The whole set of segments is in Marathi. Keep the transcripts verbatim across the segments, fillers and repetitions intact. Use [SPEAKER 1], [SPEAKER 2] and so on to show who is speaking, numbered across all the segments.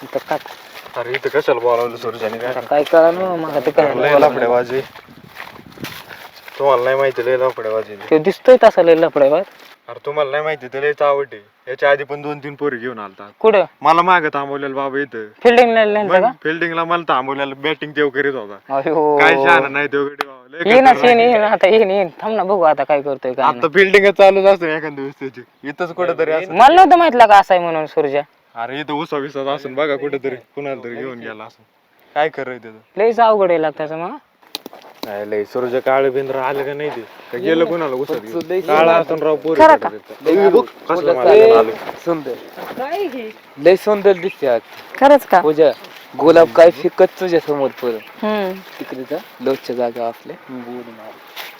[SPEAKER 1] इथं काय
[SPEAKER 2] अरे इथं कशाला बोलावलं सुरजाने काय
[SPEAKER 1] काय करा ना मग ते काय
[SPEAKER 2] लय लफड्याबाजी तुम्हाला नाही माहिती लय लफड्याबाजी
[SPEAKER 1] ते दिसतोय तसा लय लफडा बा.
[SPEAKER 2] अरे तुम्हाला नाही माहिती तर लयच आवड आहे याच्या आधी पण दोन तीन पोरी घेऊन आलता
[SPEAKER 1] कुठं
[SPEAKER 2] मला मागं थांबवलेलं बाबा इथं
[SPEAKER 1] फिल्डिंगला नेलता का?
[SPEAKER 2] फिल्डिंगला मला थांबवलेलं बॅटिंग तेव करीत होता
[SPEAKER 1] अयो
[SPEAKER 2] काय शहाणा नाही तेव गडी बाबा लय
[SPEAKER 1] ये ना
[SPEAKER 2] खतरनाक
[SPEAKER 1] येईन
[SPEAKER 2] आहे.
[SPEAKER 1] येईन आता येईन येईन थांब ना बघू आता काय करतोय काय
[SPEAKER 2] आता फिल्डिंग चालूच असतं एखाद्या दिवस त्याची इथंच कुठेतरी
[SPEAKER 1] नाही.
[SPEAKER 2] असं
[SPEAKER 1] मला नव्हतं माहितलं का असाय म्हणून सूर्या
[SPEAKER 2] अरे इथं उसा विसाच असून बघा कुठेतरी कुणाला तरी घेऊन गेला असं काय करायचं त्याचं
[SPEAKER 1] लयच अवघड आहे लागतं मग.
[SPEAKER 2] नाही लय सूर्य काळ बिंद्र आलं का नाही ते का गेलं कुणाला उसत काळा असून राव पोरी
[SPEAKER 3] खरं का?
[SPEAKER 2] कसलं माझ्या आलं
[SPEAKER 4] सुंदर
[SPEAKER 1] काय हे
[SPEAKER 4] लय सुंदर दिसते आज
[SPEAKER 3] खरंच का?
[SPEAKER 4] पूजा गुलाब काय फिकत तुझ्या समोर परत
[SPEAKER 3] हम्म.
[SPEAKER 4] तिकडे जा लोकच्या जागा आपल्या बोलून आलो.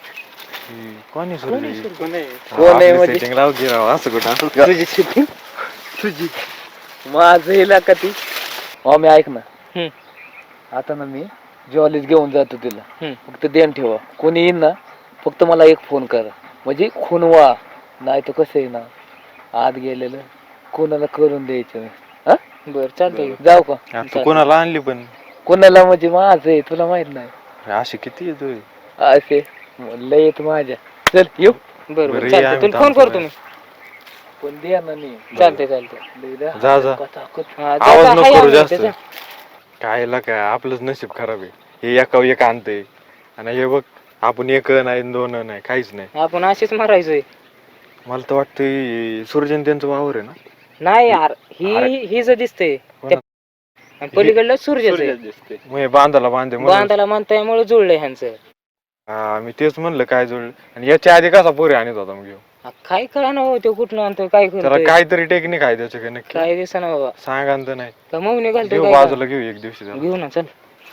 [SPEAKER 2] कोणी सूर्य
[SPEAKER 4] कोण आहे म्हणजे?
[SPEAKER 2] सेटिंग लाव की राव असं कुठं असं
[SPEAKER 4] तुझी शिटिंग तुझी माझं हिला का ती हो मी ऐक ना
[SPEAKER 1] हम्म.
[SPEAKER 4] आता ना मी जॉलीच घेऊन जातो तिला
[SPEAKER 1] हम्म.
[SPEAKER 4] फक्त ध्यान ठेवा कोणी येईन ना फक्त मला एक फोन करा म्हणजे खुनवा नाही तर कसं आहे ना आत गेलेलं कोणाला करून द्यायचं नाही. हा
[SPEAKER 1] बर चालतंय
[SPEAKER 4] जाऊ का
[SPEAKER 2] आता कोणाला आणली पण
[SPEAKER 4] कोणाला म्हणजे माझं आहे तुला माहित नाही
[SPEAKER 2] अशी किती येतोय
[SPEAKER 4] असे लय येत माझ्या चल येऊ
[SPEAKER 1] बर
[SPEAKER 2] बरं,
[SPEAKER 1] बर
[SPEAKER 2] ये
[SPEAKER 1] चालतंय
[SPEAKER 2] आम्ही
[SPEAKER 1] तुला फोन
[SPEAKER 2] थांबतो
[SPEAKER 1] करतो मी.
[SPEAKER 4] पण द्या ना नाही
[SPEAKER 1] चालतंय चालतंय
[SPEAKER 4] लय द्या.
[SPEAKER 2] जा जा
[SPEAKER 4] कथाकथ.
[SPEAKER 1] हा, जा,
[SPEAKER 2] आवाज
[SPEAKER 1] जा,
[SPEAKER 2] नको
[SPEAKER 1] हाय
[SPEAKER 2] करू
[SPEAKER 1] आम्ही
[SPEAKER 2] जास्त
[SPEAKER 1] इथे, जा.
[SPEAKER 2] काय ला काय आपलंच नशीब खराब आहे हे एका एक आणतंय आणि हे बघ आपण एक नाही दोन नाही काहीच नाही
[SPEAKER 1] आपण अशीच मारायचोय.
[SPEAKER 2] मला तर वाटतं सूर्यन त्यांचं वावर आहे ना
[SPEAKER 1] नाही यार ही
[SPEAKER 2] अरे.
[SPEAKER 1] ही जर दिसते
[SPEAKER 2] कोणा-
[SPEAKER 1] आणि पलीकडलं सूर्यच आहे.
[SPEAKER 2] मग हे बांधाला बांधे म्हणून
[SPEAKER 1] बांधाला म्हणतायमुळे जुळलंय ह्यांचं.
[SPEAKER 2] हा मी तेच म्हणलं काय जुळलं आणि याच्या आधी कसा पोरी आणत होता मग ह्यो?
[SPEAKER 1] हा, काय करा ना हो ते कुठलं आणतोय काय
[SPEAKER 2] त्याला
[SPEAKER 1] करतोय
[SPEAKER 2] काहीतरी टेक्निक आहे त्याच्या काय नक्की
[SPEAKER 1] काय दिसना बाबा
[SPEAKER 2] सांगा तर नाही
[SPEAKER 1] का मग निघालतोय
[SPEAKER 2] घेऊ
[SPEAKER 1] काय
[SPEAKER 2] बाजूला घेऊ एक दिवशी
[SPEAKER 1] करा?
[SPEAKER 2] त्याला.
[SPEAKER 1] घेऊ ना चल.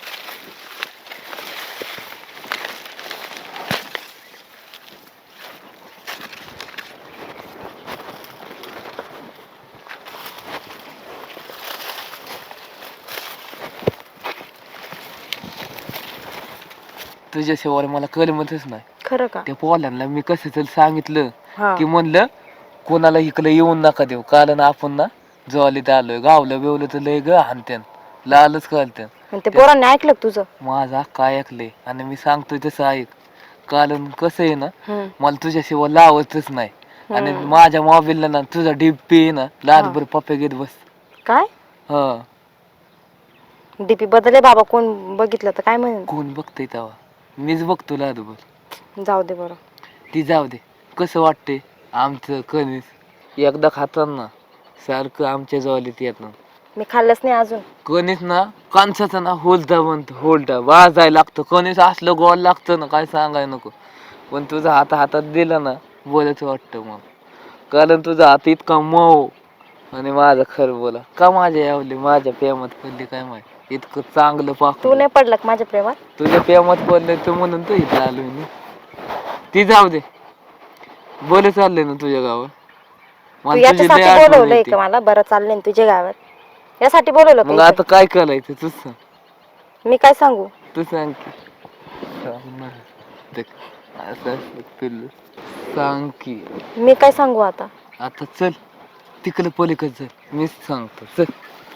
[SPEAKER 4] तुझ्या शेवाला मला कलमतच नाही
[SPEAKER 3] खरं का?
[SPEAKER 4] त्या पोलांना मी कसं तरी सांगितलं
[SPEAKER 3] हा.
[SPEAKER 4] की म्हणलं कोणाला इकडे येऊन नका देऊ कारण आपण ना जॉलीत आलोय गावलं बिवलं तर लय ग हानत्यान लालच करत्यान
[SPEAKER 3] आणि ते पोरांनी ऐकलं का तुझं?
[SPEAKER 4] माझा काय ऐकलंय आणि मी सांगतोय तसं ऐक कारण कसं आहे ना
[SPEAKER 3] हम्म.
[SPEAKER 4] मला तुझ्याशिवाय लावतच नाही आणि
[SPEAKER 3] हम्म.
[SPEAKER 4] माझ्या मोबाईलला ना तुझा डीपी आहे ना रातभर पप्पे घेत बस
[SPEAKER 3] काय
[SPEAKER 4] हा
[SPEAKER 3] डीपी बदलले बाबा कोण बघितलं तर काय म्हणेल?
[SPEAKER 4] कोण बघतंय तेव्हा मीच बघतो रातभर
[SPEAKER 3] जाऊ दे बरं.
[SPEAKER 4] ती जाऊ दे कसं वाटतंय आमचं कणीस एकदा खाताना सारखं आमच्या जवळीत येत ना
[SPEAKER 3] मी खाल्लंच नाही अजून.
[SPEAKER 4] कणीस ना कांसाचा ना होलटा म्हणतो होलटा वाजायला लागतं कणीस असलं गोल लागतं ना काय सांगाय नको पण तुझा हात हातात दिला ना बोलच वाटतं मग कारण तुझा हात इतका मऊ आणि माझं खरं बोला का माझ्या यावली माझ्या प्रेमात पडली काय माहिती इतकं चांगलं पाक
[SPEAKER 3] तू नाही पडला का माझ्या प्रेमात?
[SPEAKER 4] तुझ्या प्रेमात पडलं तर म्हणून तू इथं आलोय मी ती जाऊ दे बोल चाललंय ना तुझ्या गावात
[SPEAKER 3] तू
[SPEAKER 4] मला तुझी लय
[SPEAKER 3] याच्यासाठी
[SPEAKER 4] आठवण
[SPEAKER 3] बोलवलंय
[SPEAKER 4] येते.
[SPEAKER 3] का मला? बरं चाललंय ना तुझ्या गावात यासाठी बोलवलं
[SPEAKER 4] मग
[SPEAKER 3] का
[SPEAKER 4] आता काय करायचं तू सांग
[SPEAKER 3] इथं? मी काय सांगू?
[SPEAKER 4] तू सांग की सांग ना. देख, असं असं पिल्लू. सांग की
[SPEAKER 3] मी काय सांगू आता?
[SPEAKER 4] आता चल तिकडे पलीकडे चल मीच सांगतो चल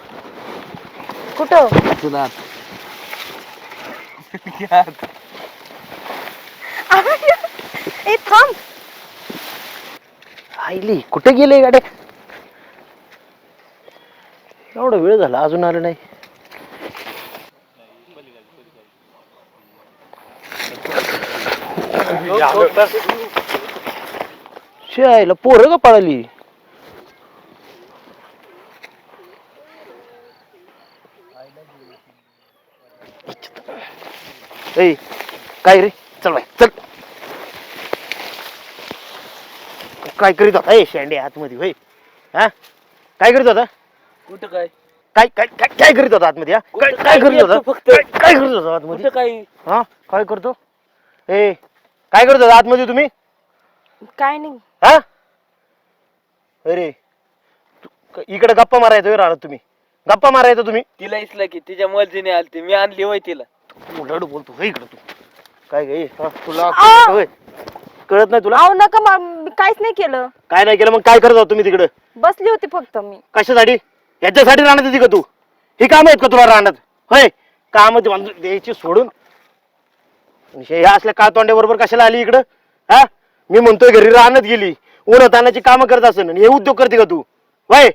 [SPEAKER 3] कुठं?
[SPEAKER 4] तुला आता घ्या आता.
[SPEAKER 3] ए थांब.
[SPEAKER 5] आईली कुठे गेले गाड्या एवढा वेळ झाला अजून आलं नाही शाळेला पोरं का पळाली ए काय रे चल बाय चल काय करीत होता ए शेंडे आतमध्ये होय हा काय करीत होता
[SPEAKER 4] कुठं काय
[SPEAKER 5] काय काय काय काय करीत होता आतमध्ये हा काय काय करीत होता
[SPEAKER 4] फक्त
[SPEAKER 5] काय काय करीत होता आतमध्ये
[SPEAKER 4] कुठं काय
[SPEAKER 5] हा काय करतो ए काय करत होता आतमध्ये तुम्ही
[SPEAKER 3] काय नाही.
[SPEAKER 5] हा अरे तू- इकडे गप्पा मारायचो राहणार तुम्ही गप्पा मारायचो तुम्ही
[SPEAKER 4] तिला इसला की तिच्या मर्जीने आलती मी आणली होय तिला
[SPEAKER 5] लडू बोलतो होय इकडे तू काय गे तुला
[SPEAKER 3] आ!
[SPEAKER 5] कळत होय? कळत नाही तुला
[SPEAKER 3] अहो नका मा- मी काहीच नाही केलं.
[SPEAKER 5] काय नाही केलं मग काय करत होता तुम्ही तिकडे
[SPEAKER 3] बसली होती फक्त मी.
[SPEAKER 5] कशासाठी याच्यासाठी राहणार होती का तू ही काम आहेत का तुला राहणार होय? काम द्यायची सोडून हे असल्या काळतोंड्या बरोबर कशाला आली इकडं? हा मी म्हणतोय घरी राहण्यात गेली, उन्हा तानाची कामं करत असेल आणि हे उद्योग करते का तू? वय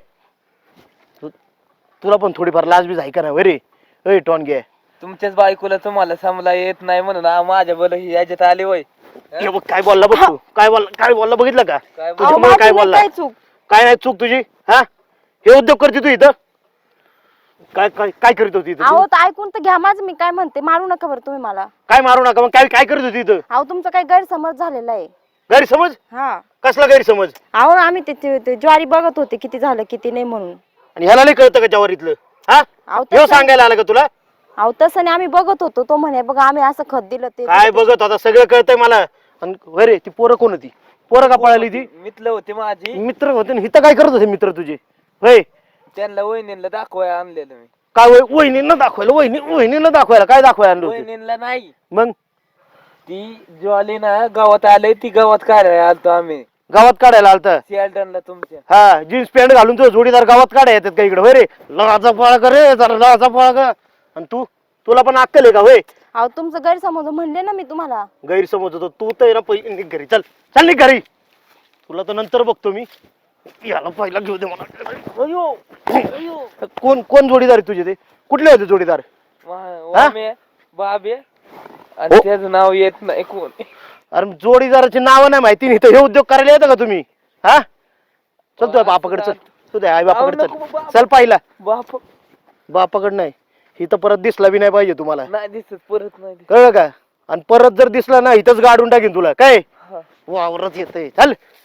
[SPEAKER 5] तुला पण थोडीफार लाजबीज आहे का ना वय रे? अय टोनगे,
[SPEAKER 4] तुमच्याच बायकोला तुम्हाला समला येत नाही म्हणून आ- माझ्या बोल ही याच्यात आली वय.
[SPEAKER 5] हे बघ काय बोलला बघ तू, काय बोलला काय बोलला बघितलं का?
[SPEAKER 4] काय
[SPEAKER 3] अहो,
[SPEAKER 5] तुझ्यामुळे
[SPEAKER 3] माझी
[SPEAKER 5] काय
[SPEAKER 3] नाही
[SPEAKER 5] बोलला?
[SPEAKER 3] काय चूक.
[SPEAKER 5] काय नाही चूक तुझी? हा हे उद्योग करते तू इथं? काय काय काय करीत होती इथं
[SPEAKER 3] अहो
[SPEAKER 5] तू?
[SPEAKER 3] तर ऐकून तर घ्या माझं, मी काय म्हणते, मारू नका बरं तुम्ही मला.
[SPEAKER 5] काय मारू नका, मग काय काय करत होती इथं?
[SPEAKER 3] अहो तुमचा काही गैरसमज झालेला आहे.
[SPEAKER 5] गैरसमज?
[SPEAKER 3] हा
[SPEAKER 5] कसला गैरसमज?
[SPEAKER 3] अहो आम्ही ते- ते ते ज्वारी बघत होते किती झालं किती नाही म्हणून.
[SPEAKER 5] आणि ह्याला नाही कळतं का जवारीतलं? हा
[SPEAKER 3] अहो
[SPEAKER 5] हे
[SPEAKER 3] तसं
[SPEAKER 5] सांगायला आलं का तुला?
[SPEAKER 3] अहो तसं नाही, आम्ही बघत होतो. तो म्हणे बघा आम्ही असं खत दिलं ते
[SPEAKER 5] काय बघत होता सगळं कळतंय मला. आणि अरे ती पोरं कोण होती? पोरं का पळाली ती?
[SPEAKER 4] मित्र होती माझी,
[SPEAKER 5] मित्र होते ना, इथं काय करत होते मित्र तुझे? होय
[SPEAKER 4] त्यांना वहिनीला दाखवाय आणलेलं मी.
[SPEAKER 5] काय वय वहिनींना दाखवायला? वहिनी वहिनींना दाखवायला काय दाखवायला आणलं होतं?
[SPEAKER 4] वहिनीला नाही,
[SPEAKER 5] मग
[SPEAKER 4] ती ज्वाली ना गावात आलंय, ती गावात काढायला आलतो आम्ही
[SPEAKER 5] गावात काढायला आलता?
[SPEAKER 4] सियालटनला तुमच्या.
[SPEAKER 5] हा जीन्स पॅन्ट घालून तो जोडीदार गावात काढाय येतात का इकडे? होय रे लाचा पळा कर रे, जरा लाचा पळा कर. आणि तू तुला पण अक्कल आहे का? होय
[SPEAKER 3] अहो तुमचं गैरसमज म्हणले ना मी तुम्हाला.
[SPEAKER 5] गैरसमज होतो तू तर ना पहिले निघ घरी. चल चल निघ घरी, तुला तर नंतर बघतो मी. याला पहिला घेऊ दे मला. अयो, अयो. कोण कोण जोडीदार आहे तुझे? ते कुठले होते जोडीदार?
[SPEAKER 4] वा- वामे, बाबे आणि
[SPEAKER 5] हो.
[SPEAKER 4] त्याचं नाव येत नाही कोण.
[SPEAKER 5] अरे जोडीदाराची नावं नाही माहिती, नाही तर हे उद्योग करायला येतं का तुम्ही? हा चल तुझ्या बापाकडे चल, तुझ्या आई बापाकडे
[SPEAKER 4] अहो, नको
[SPEAKER 5] चल.
[SPEAKER 4] बाप.
[SPEAKER 5] चल पाहिला
[SPEAKER 4] बाप
[SPEAKER 5] बापाकडे नाही, ही तर परत दिसला बी नाही पाहिजे तुम्हाला,
[SPEAKER 4] नाही दिसत, परत नाही दिसत.
[SPEAKER 5] कळलं का? आणि परत जर दिसला ना इथंच गाडून टाकीन तुला. काय
[SPEAKER 4] हा.
[SPEAKER 5] वावरत येतंय. चल